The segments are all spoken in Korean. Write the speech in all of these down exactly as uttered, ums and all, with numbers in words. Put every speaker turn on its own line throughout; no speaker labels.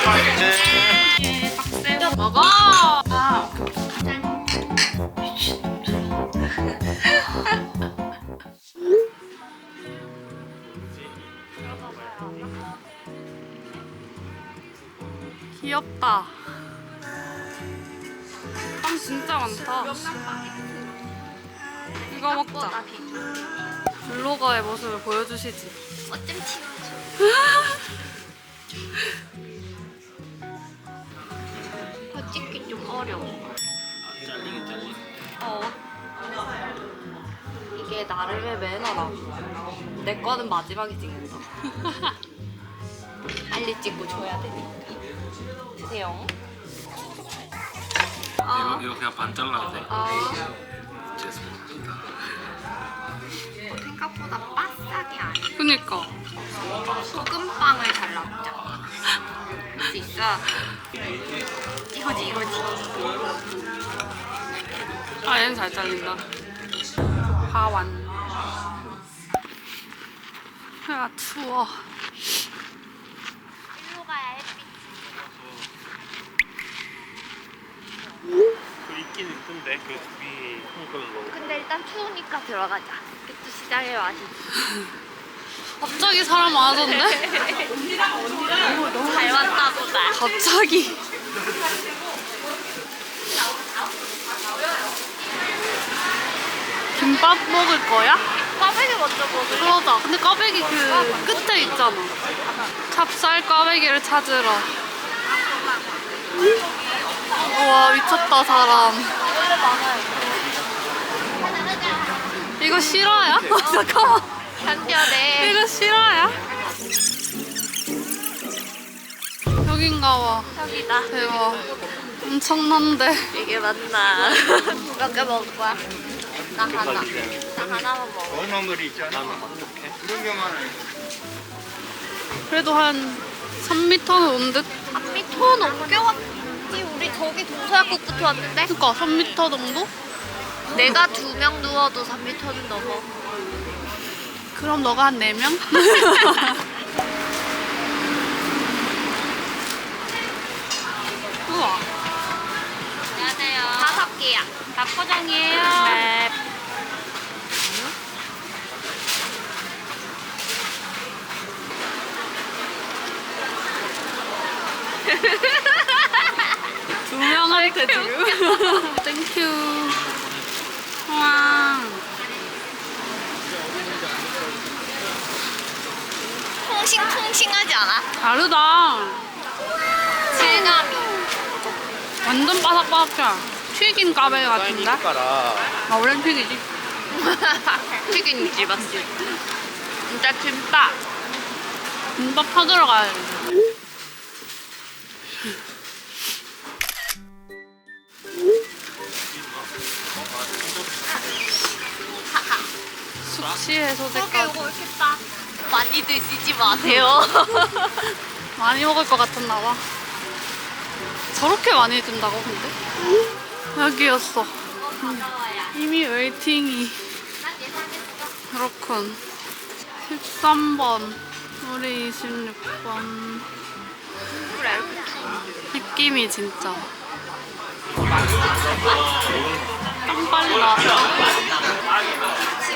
먹어. 아. 귀엽다. 빵 진짜 많다. 이거 먹자. 블로거의 모습을 보여주시지.
어쩜 찍어줘. 더 찍기 좀 어려워.
잘리긴 잘리.
어. 이게 나름의 매너라고. 내 거는 마지막에 찍는다. 빨리 찍고 줘야 되니까. 드세요.
이거, 이거 그냥 반 잘라도 돼?
아.
죄송합니다.
생각보다 바싹이 아니야.
그니까.
소금빵을 잘라보자. 할 수 있어. 이거지 이거지.
아, 얘는 잘 잘린다. 하완. 아, 추워.
일로 가야 햇빛.
그 있긴 있던데 그 위에 콩글로.
근데 일단 추우니까 들어가자. 또 시장의 맛이.
갑자기 사람 많아졌네?
잘 왔나 보다.
갑자기. 김밥 먹을 거야?
꽈배기 먼저 먹을래?
그러자. 근데 꽈배기 그 끝에 있잖아. 찹쌀 꽈배기를 찾으러. 우와, 미쳤다, 사람.
원래 많아요.
이거 실화야? 잠깐만.
한편에
이거 실화야? 여긴가 봐.
여기다.
대박. 엄청난데.
이게 맞나? 몇 개 먹을 거야? 나 하나. 나 하나만 먹어.
얼마물이 있잖아.
어떡해?
그런 경우는
그래도 한 삼 미터는 온 듯?
삼 미터 넘게 왔지. 우리 저기 동서약국부터 왔는데?
그니까 삼 미터 정도?
내가 두 명 누워도 삼 미터는 넘어.
그럼 너가 한 네 명? 우와.
안녕하세요. 다섯 개야.
닭포장이에요. 네. 두 명한테 지금. 땡큐. 와.
퐁싱퐁싱하지 않아?
다르다.
질감이.
완전 바삭바삭해. 튀긴 까베 같은데?
가라.
아, 원래는 튀기지.
튀김이지 맞지? 진짜 김밥.
김밥 사들어 가야 돼. 숙취
그러게
해소제까지.
이거 이렇게 딱 많이 드시지 마세요.
많이 먹을 것 같았나 봐. 저렇게 많이 든다고 근데? 여기였어. 음, 이미 웨이팅이.
난 예상했어.
그렇군. 십삼 번. 우리 이십육 번.
그래 이렇게 추운데.
느낌이 진짜. 땀 빨리 나왔다.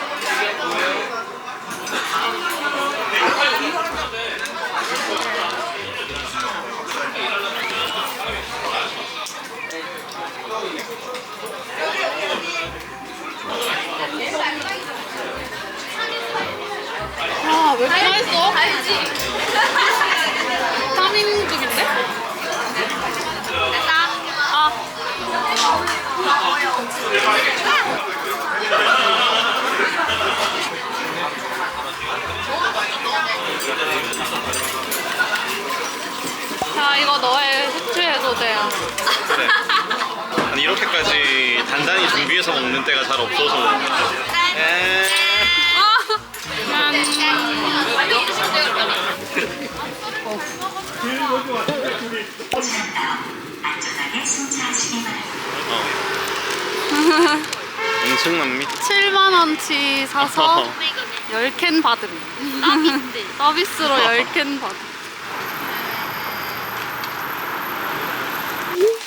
아, 왜 이렇게 맛있어?
알지?
삼 인국인데?
됐다.
아. 자, 이거 너의 숙취 해소제야.
그래. 아니 이렇게까지 단단히 준비해서 먹는 때가 잘 없어서. 에.
아,
엄청난 미.
칠만 원치 사서 열 캔 받음.
서비스.
서비스로 열 캔 받음.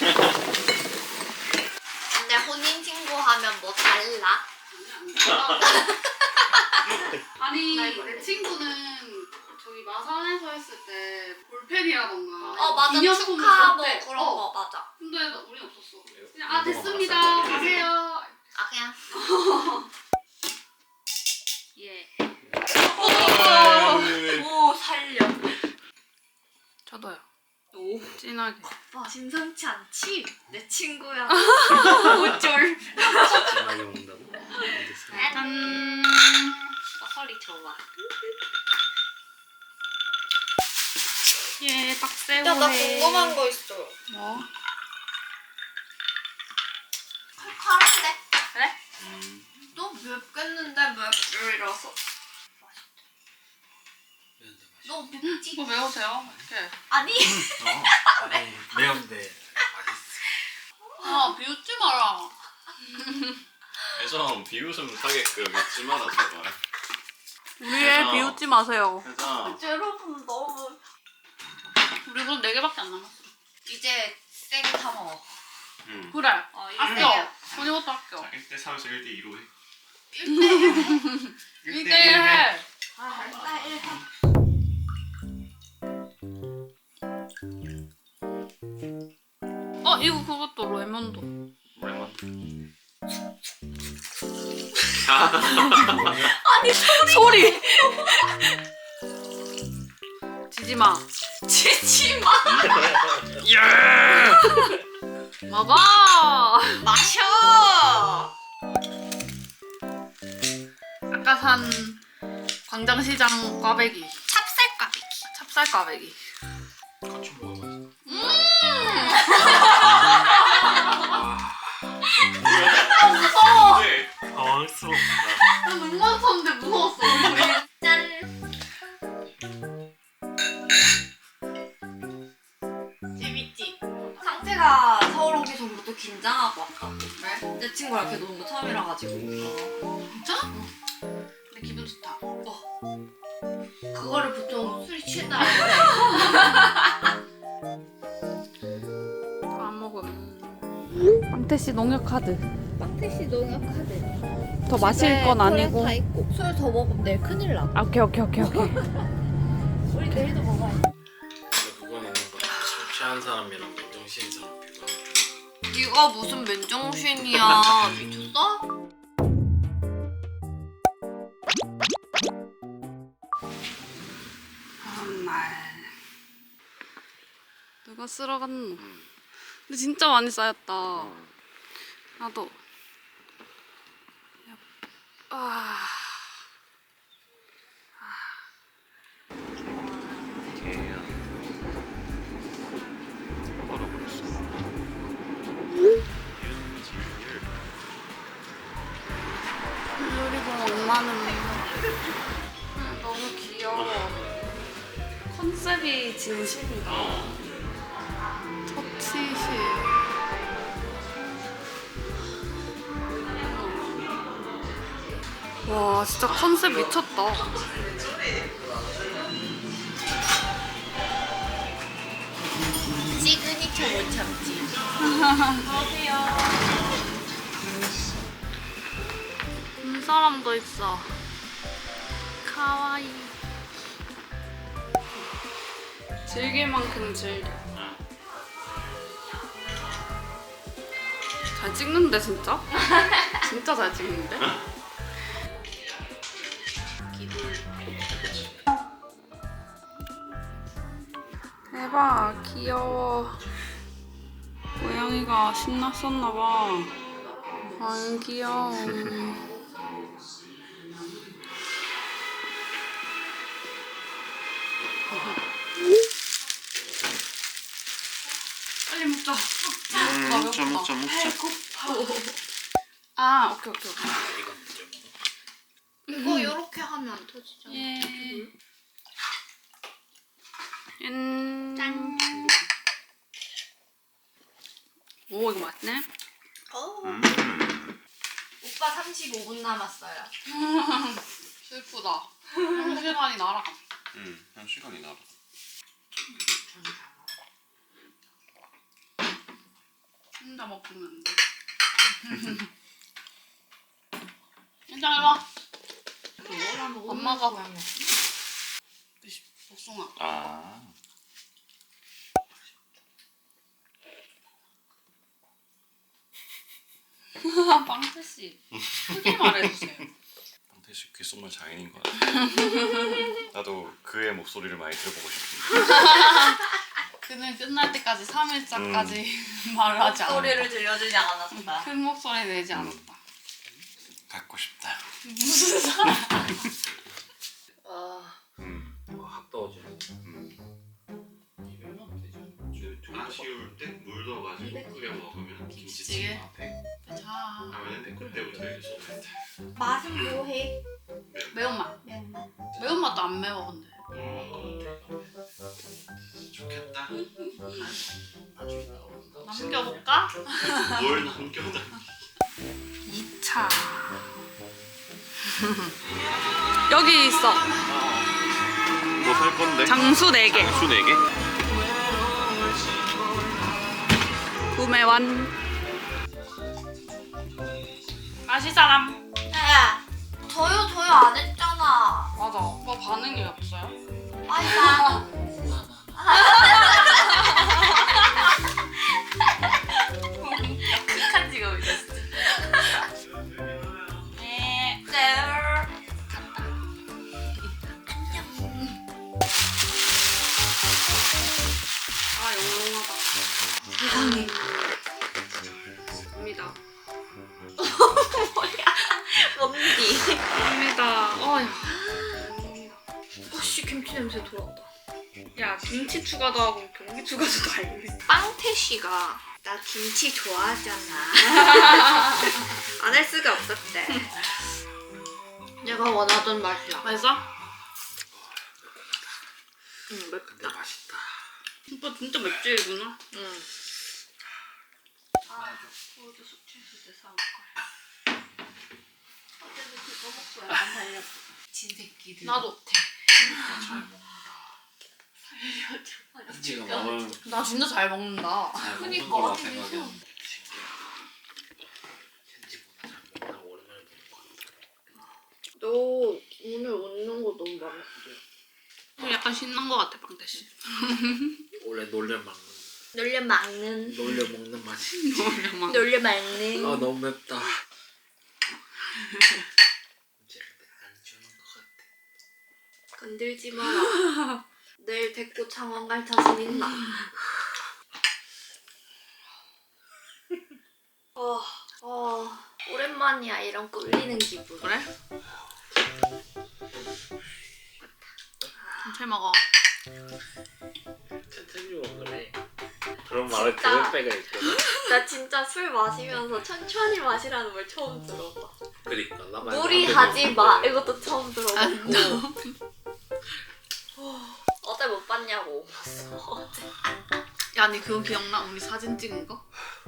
근데 혼인 신고하면 뭐 달라?
아니 내 친구는 저기 마산에서 했을 때 볼펜이라던가
어 맞아
기념품을
축하 뭐
줬대.
그런
어.
거 맞아.
근데 우린 없었어. 그냥 아 됐습니다. 가세요.
아 그냥
예.
오 살려.
저도요. 오 진하게.
와 심상치 않지? 내 친구야. 어쩔.
진하게 먹는다고?
짠.
소리 좋아.
예 딱새우회.
야 나 궁금한 거 있어.
뭐?
칼칼한데?
그래?
너 맵겠는데 맵줄이라서. 너 맵지?
이거 매우세요? 이렇게.
아니.
어, 아니 매운데 맛있어.
아 비웃지 마라.
혜정 비웃음 타게끔 잊지 마라 제발.
우리 애 비웃지 마세요.
혜정.
여러분 너무.
우리 그럼 네 개밖에 안 남았어.
이제 쌩 다 먹어.
응.
그래.
어, 이제
아껴. 언니 것도 아껴.
자 일 대 삼에서 일 대 이로 해.
일 대 일.
일 대 일 해.
아, 일단 일 해.
어 이거 그것도 레몬도.
레몬.
소리. 지지 마.
지지 마.
먹어.
마셔.
아까 산 광장시장 꽈배기.
찹쌀가비기.
찹쌀 꽈배기.
같이 먹어봐야지.
무서워.
네.
당황스럽다.
나 눈 맞췄는데 무서웠어.
짠. 재밌지? 상태가 서울 오기 전부터 긴장하고 왔다.
왜?
내 친구랑 이렇게 노는 거 처음이라 가지고.
진짜? 근데 기분 좋다.
그거를 보통 술이 취했다고 해.
안 먹음. 빵태씨 농협 카드.
빵태씨 농협 카드.
더 마실 건 아니고.
다 있고. 술 더 먹으면 내일 큰일 나.
아, 오케이 오케이 오케이 오케이.
우리 내일도 먹어야 돼.
근데 그거는 술 취한 사람이랑 맨정신인 사람 비교하면
네가 무슨 맨정신이야. 미쳤어?
정말. 누가 쓸어 갔노? 근데 진짜 많이 쌓였다. 나도. 아.
개야. 얼어버렸어.
놀이공 엄마는 너무 귀여워. 컨셉이 진심이다. 터치실. 와 진짜 컨셉 미쳤다.
시그니처 못 참지.
눈사람도 있어. 카와이. 즐길 만큼 즐겨. 잘 찍는데 진짜? 진짜 잘 찍는데? 대박 귀여워. 고양이가 신났었나봐. 안 귀여워. 빨리 먹자.
음, 먹자 먹자 먹자.
아 오케이 오케이 오케이.
이건 이제 먹어.
이거 이렇게 하면 안 터지잖아.
예. 짠.
짠.
오 이거 맛있네.
어.
음.
오빠 삼십오 분 남았어요.
슬프다. 한 시간이 날아가.
응. 한 시간이 나라.
혼자 먹으면 안 돼. 일단 일로와. 엄마가 복숭아.
아.
빵태씨 크게 말해주세요.
태시 귓속말 장인인 것 같아. 나도 그의 목소리를 많이 들어보고 싶은데.
그는 끝날 때까지 삼 일차까지 말을 하지 않았다.
소리를 들려주지 않았다.
큰 목소리 내지 않았다.
갖고 싶다.
무슨 사람?
와.
음.
어, 확 떠오지.
음.
이백만 되죠.
아쉬울 때 물 넣어가지고 끓여 먹으면
김치찌개? 자,
하면 댓글 때부터 이제 소개했대.
맛은 뭐해?
매운맛.
매운맛.
매운맛도 안 매워 근데.
좋겠다.
나중에 나온다.
남겨볼까?
뭘 남겨놔.
이 차. 여기 있어.
뭐 살 건데?
장수 네 개.
장수 네 개?
구매 완. 마실 사람.
야, 저요 저요 안 했잖아.
맞아. 오빠 반응이 없어요?
아니 나.
극한 직업이 됐어. 네.
네.
아 영롱하다.
세상에.
입니다.
뭔디?
입니다. 어휴.
오씨 김치 냄새 돌아온다.
야 김치 추가도 하고 경기 추가도 다 있네.
빵태씨가 나 김치 좋아하잖아. 안 할 수가 없었대. 내가 원하던 맛이야.
맛있어?
응,
근데
맵다.
맛있다.
오빠 진짜 맵찔이구나.
응.
아, 어제 숙취했을 때 사올 걸.
어제도 그거 먹고 약간 달렸어.
진새끼들. 나도.
잘 먹는다. 김치가 먹을
나 진짜 잘 먹는다.
잘 먹는
그니까.
거라 생각했는데 신기해. ken지보다 잘 먹나 오랜만에 보는 것 같아.
너 오늘 웃는 거 너무 마음에 들어.
약간 신난 것 같아 빵태씨.
원래 놀려 먹는
놀려 막는.
놀려 먹는 맛이.
오랜만.
놀려 막는.
아 너무 맵다. 이제 근데 안 주는 것 같아.
건들지 마라. 내일 데리고 창원 갈 자신 있나? 어, 어, 오랜만이야 이런 꿀리는 기분.
그래? 잘 먹어.
천천히 먹으래. 그런 말을
진짜.
들을 때가 있거든.
나 진짜 술 마시면서 천천히 마시라는 말 처음 들어봐.
그러니까 나
무리하지 마 이것도 처음 들어봤고.
안
어제 못 봤냐고. 어제.
야, 니 그거 기억나? 우리 사진 찍은 거?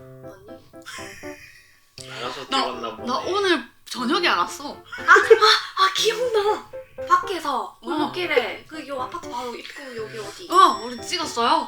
아니?
나가서
나,
찍었나 보네.
나 오늘 저녁에 알았어.
아 기억나. 밖에서
어.
골목길에 그 요 아파트 바로 입구 여기 어디?
어, 우리 찍었어요.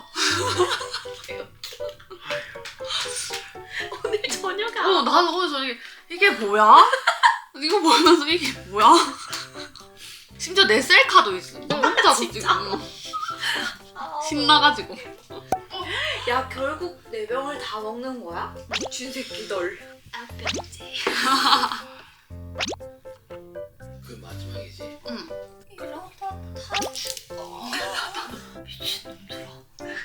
오늘 저녁에
어, 나도 오늘 저녁에 이게 뭐야? 이거 보면서 이게 뭐야? 심지어 내 셀카도 있어. 나 혼자서
진짜?
지금
아,
신나가지고.
야 결국 네 병을 다 먹는 거야? 미친 새끼들. 아 뺐지.
그 마지막이지.
응.
이러다 다 죽어. 미친놈들아.